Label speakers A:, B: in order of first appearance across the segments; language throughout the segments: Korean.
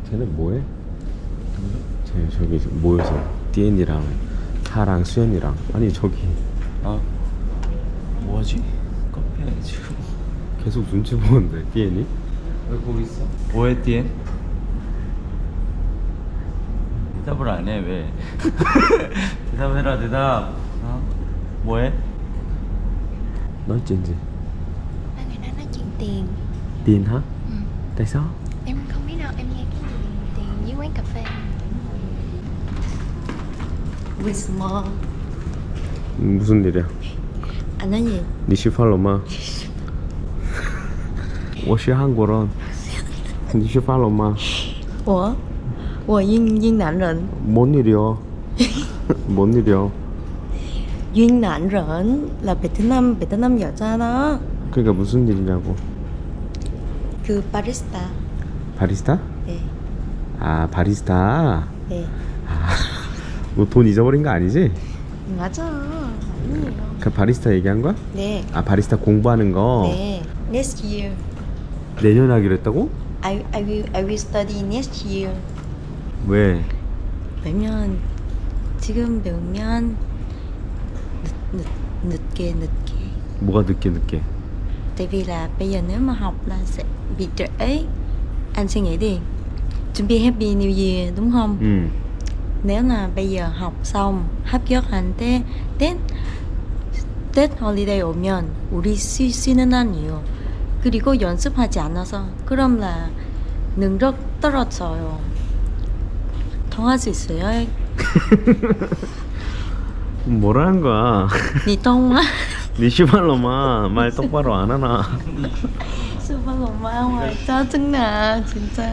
A: 쟤는 뭐해? 쟤 저기 모여서 디엔이랑 하랑 수연이랑 아니 저기
B: 아 뭐하지? 카페 지금
A: 계속 눈치 보는데 디엔이?
B: 왜 거기 있어? 뭐해 띠엔? 대답을 안 해 왜? 대답을 해라 대답. 어? 뭐해?
A: nói chuyện gì?
C: Ba người đó nói chuyện tiền.
A: Tiền hả?
C: Ừ.
A: Tại sao?
C: Em không biết đâu, em nghe cái gì tiền với quán cà phê.
D: With more.
A: 무슨 일이야?
D: Anh nói gì?
A: 你是法老吗？我是韩国人。你是法老吗？
D: 我Duyên Nạnh Rịnh.
A: 뭔 일이야? 뭔 일이야?
D: Duyên Nạnh Rịnh là Việt Nam 여자 đó.
A: 그러니까 무슨 일이냐고.
D: 그 바리스타.
A: 바리스타?
D: 네.
A: 아 바리스타.
D: 네.
A: 너 돈 잊어버린 거 아니지?
D: 맞아. 아니에요.
A: 그 바리스타 얘기한 거야?
D: 네.
A: 아 바리스타 공부하는 거.
D: 네. Next year.
A: 내년 하기로 했다고?
D: I will study next year.
A: 왜?
D: 왜냐면 지금 배우면 늦게.
A: 뭐가 늦게?
D: Tại vì là bây giờ nếu mà học là sẽ bị trễ. Anh suy nghĩ đi. Chuẩn bị Happy New Year đúng không?
A: 응.
D: Nếu là bây giờ học xong 합격한 Tết holiday 오면 우리 쉬는 날이에요. 그리고 연습하지 않아서 그럼 là 능력 떨어져요. 통할 수 있어요?
A: 뭐라는 거야?
D: 니 통화?
A: 니 시발로마 말 똑바로 안 하나?
D: 스발로마 짜증나 진짜.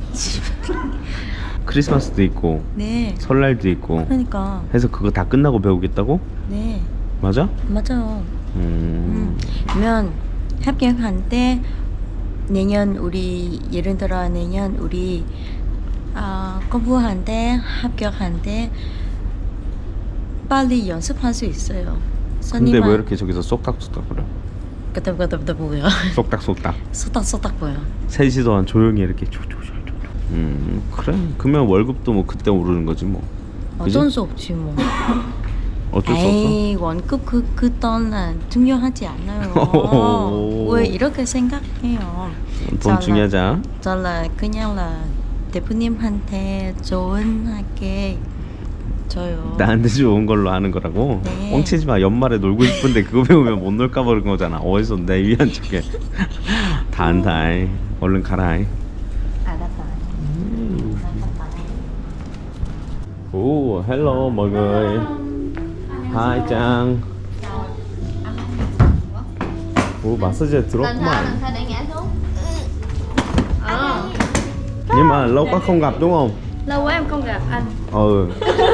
A: 크리스마스도 있고
D: 네.
A: 설날도 있고
D: 그러니까.
A: 해서 그거 다 끝나고 배우겠다고?
D: 네.
A: 맞아?
D: 맞아요. 그러면 합격할 때 내년 우리 예를 들어 내년 우리 공부할 때 합격할 때 빨리 연습할 수 있어요.
A: 근데 왜 이렇게 저기서 쏙닥쏙닥 거려?
D: 그때 뭐야?
A: 쏙닥쏙닥
D: 쏙닥 뭐야?
A: 3시 동안 조용히 이렇게 그래 그러면 월급도 뭐 그때 오르는 거지 뭐. 그지?
D: 어쩔 수 없지 뭐.
A: 어쩔 수
D: 에이 원급 그 돈은 중요하지 않아요. 왜 이렇게 생각해요?
A: 없어? 돈 중요하지 않아?
D: 저는 그냥 대표님한테 좋은 하게 줘요.
A: 나한테 좋은 걸로 하는 거라고?
D: 네.
A: 뻥치지 마. 연말에 놀고 싶은데 그거 배우면 못 놀까 봐 그런 거잖아. 어디서 내 위한 척해. 다 안다. 얼른 가라.
D: 알았다.
A: 오, hello mọi người. Hi Trang. Ủa massage 들었구만.
C: để ngã xuống.
A: Nhưng mà lâu quá không gặp đúng không?
C: Lâu quá em không gặp anh.
A: Ừ.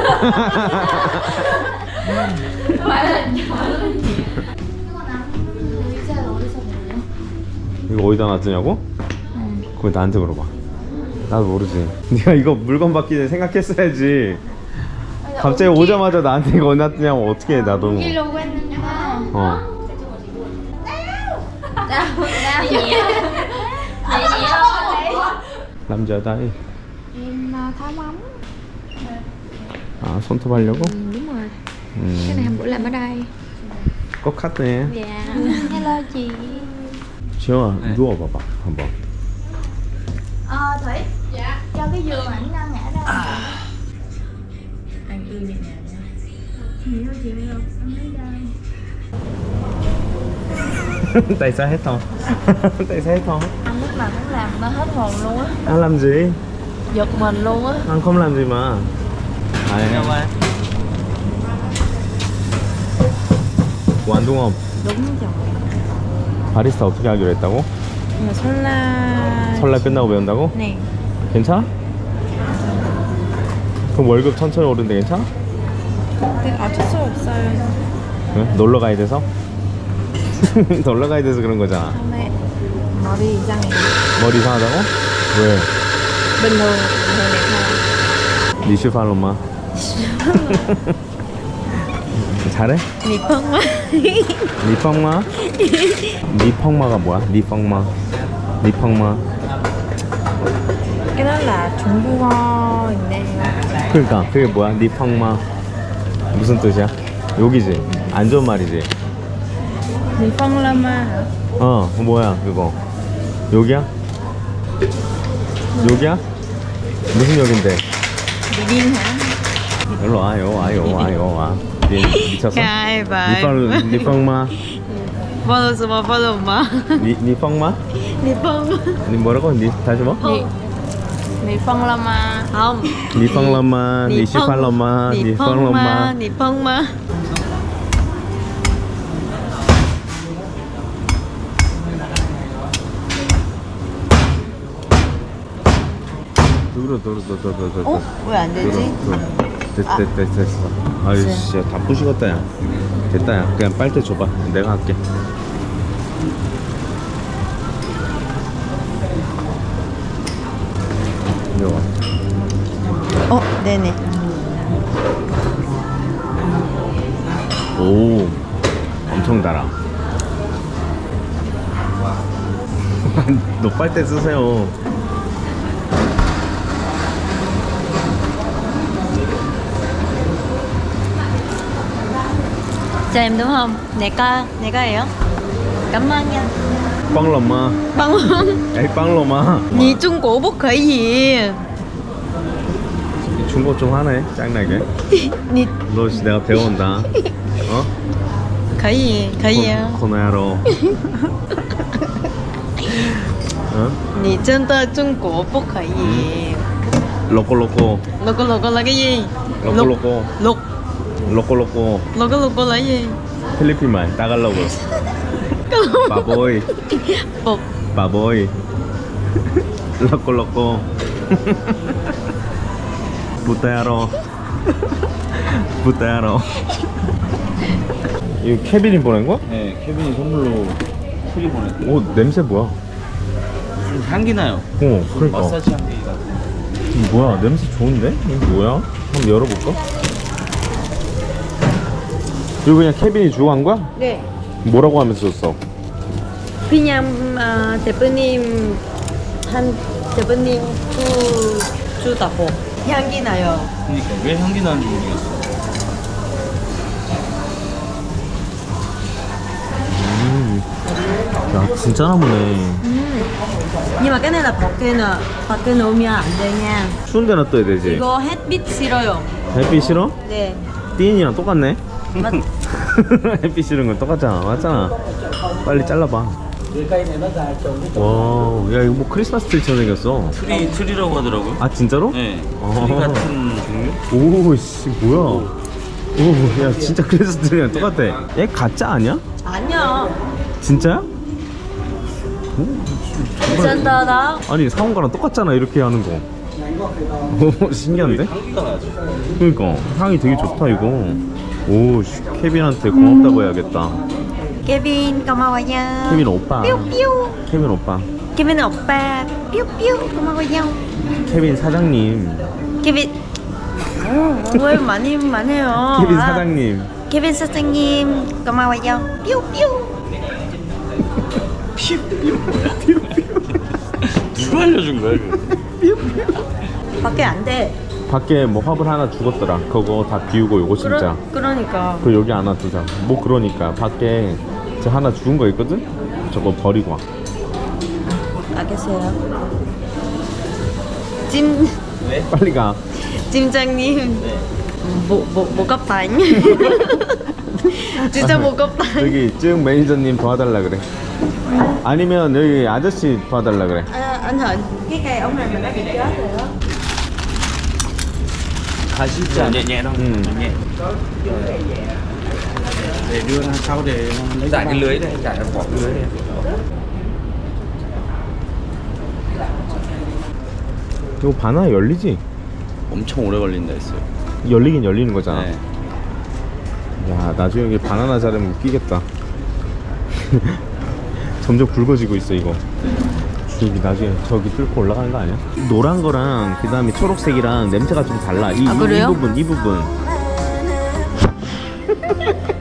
A: 이거 어디다 놨더냐고? 그거 나한테 물어봐. 나도 모르지. 네가 이거 물건 받기 전에 생각했어야지. 갑자기 오자마자 나한테 이거 어디 놨더냐고 어떻게 해 나도.
C: Luôn quen nhau.
A: 어.
C: Đau nhẹ.
A: 남자다이.
C: Em tháo móng.
A: 아 손톱 하려고?
C: Đúng rồi. Cái này hôm bữa làm ở đây.
A: 꼭 컸네.
C: Dạ. Hello chị.
A: 지영아 누워봐봐 한번.
C: Thủy. Dạ. Cho cái giường ảnh ngã ra.
D: Anh ư nhẹ nhàng nha.
C: Nhiều chị được. Anh lấy đâu?
A: Tại sao hết hồn? Tại sao hết hồn?
D: Anh lúc nào cũng làm nó hết hồn luôn á.
A: Anh làm gì?
D: Giật mình luôn á.
A: Anh không làm gì mà.
B: 안녕.
A: 뭐 안 동업
D: Đúng rồi.
A: 바리스타 어떻게 하기로 했다고?
D: Nhưng mà 설날.
A: 설날 끝나고 배운다고?
D: 네.
A: 괜찮아? 그럼 월급 천천히 오르는데 괜찮아?
D: 어쩔 수 없어요.
A: 응? 놀러 가야 돼서? 놀러 가야 돼서 그런 거잖아.
D: 처음에 머리 이상해.
A: 머리 이상하다고? 왜?
D: bình thường này thôi.
A: 니슈팔로마. 잘해?
D: 니펑마.
A: 니펑마? 니펑마가 뭐야? 니펑마. 니펑마.
E: Cái đó là 중국어인데요.
A: 그러니까 그게 뭐야? 니팡마 무슨 뜻이야? 여기지? 안 좋은 말이지?
E: 니펑라마 hả?
A: 뭐야 그거 여기야? 여기야? 무슨 역인데?
E: Điên hả?
A: 일로 와요 미쳤어?
E: Cay vậy.
A: 니팡마
E: Follow suma follow ma.
A: 니팡마?
E: Nipong.
A: 니 뭐라고? 다시 뭐?
E: Niphonglama. Không.
A: 니팡라마 니시팔라마 니팡라마
E: Niphongma.
A: 들어
E: 왜 안 되지?
A: 됐어 아유 진짜 다 부시겠다 야 됐다 야 그냥 빨대 줘봐 내가 할게 이리 와
E: 네네.
A: 오 엄청 달아 너 빨대 쓰세요
D: Cho em đúng không? Này có hiểu. Cảm ơn nha.
A: 빵러마
E: Bằng
A: 에이 빵러마
E: 니 중국 뭐可以.
A: 중고 좀 하네 짱나게
E: 니
A: 너 내가 배워온다 어?
E: 可以啊.
A: 코너야로 어?
E: 你真的中国不可以.
A: 로꼬
E: Loco là cái gì?
A: 로꼬
E: Lục.
A: 로꼬
E: Loco là gì?
A: 필리핀 말 따갈로그 바보이
E: Bột.
A: 바보이 로꼬 부타야로 이거 케빈이 보낸 거야?
B: 네, 케빈이 선물로 프리 보냈대.
A: 오 냄새 뭐야?
B: 좀 향기 나요.
A: 그러니까
B: 마사지 향기 같은.
A: 뭐야 냄새 좋은데? 이거 뭐야? 한번 열어볼까? 이거 그냥 케빈이 주고 간 거야?
E: 네.
A: 뭐라고 하면서 줬어?
E: 그냥 대표님 대표님 주다고. 향기 나요.
B: 그러니까 왜 향기 나는지 모르겠어.
A: 야 진짜 나무네
E: Nhưng mà cái này là 밖에 놓으면 안 돼, nha.
A: 추운 데 놔둬야 되지
E: 이거 햇빛 싫어요.
A: 햇빛 싫어?
E: 네.
A: 띠인이랑 똑같네
E: 맞.
A: 햇빛 싫은 건 똑같잖아 맞잖아 빨리 잘라봐 와야 이거 뭐 크리스마스 트리처럼 생겼어
B: 트리라고 하더라고요.
A: 아 진짜로?
B: 네.
A: 어.
B: 트리 같은 종류?
A: 오씨 뭐야 오야 진짜 크리스마스 트리랑 똑같아 얘 가짜 아니야?
E: 아니야.
A: 진짜야?
E: 진짜 나.
A: 아니 사온 거랑 똑같잖아 이렇게 하는 거 오, 신기한데?
B: 향기가 나죠.
A: 그러니까 향이 되게 좋다 이거 오 씨, 케빈한테 고맙다고 해야겠다
E: Kevin 고마워요.
A: 케빈 오빠
E: 뾰뾰.
A: 케빈 오빠
E: Kevin 오빠. 뾰뾰 고마워요.
A: 케빈 사장님
E: Kevin. 왜 많이 해요.
A: 케빈 사장님
E: Kevin 사장님 고마워요. 뾰뾰.
B: 누가 알려준 거야 이거?
E: 밖에 안 돼.
A: 밖에 뭐 화분 하나 죽었더라 그거 다 비우고 요거 진짜
E: 그러니까.
A: 그 여기 안 놔두자 뭐 그러니까 밖에 저 하나 죽은 거 있거든? 저거 버리고 와
E: 알겠어요. 찜
A: 빨리 가
E: 팀장님. 목갑다잉. 진짜 목갑다잉.
A: 여기 증 매니저님 도와달라 그래 아니면 여기 아저씨 도와달라 그래
E: Anh Hạnh, cái cây ống này mình đã bị chết rồi đó.
B: 가시지 nhẹ nhẹ thôi. nhẹ. Để đưa ra sau để giải cái lưới này, giải bỏ cái lưới này.
A: 이거 바나나 열리지?
B: 엄청 오래 걸린다 했어요.
A: 열리긴 열리는 거잖아
B: 네.
A: 야 나중에 여기 바나나 자르면 웃기겠다 점점 굵어지고 있어 이거 여기 나중에 저기 뚫고 올라가는 거 아니야? 노란 거랑 그 다음에 초록색이랑 냄새가 좀 달라 이
E: 그래요?
A: 부분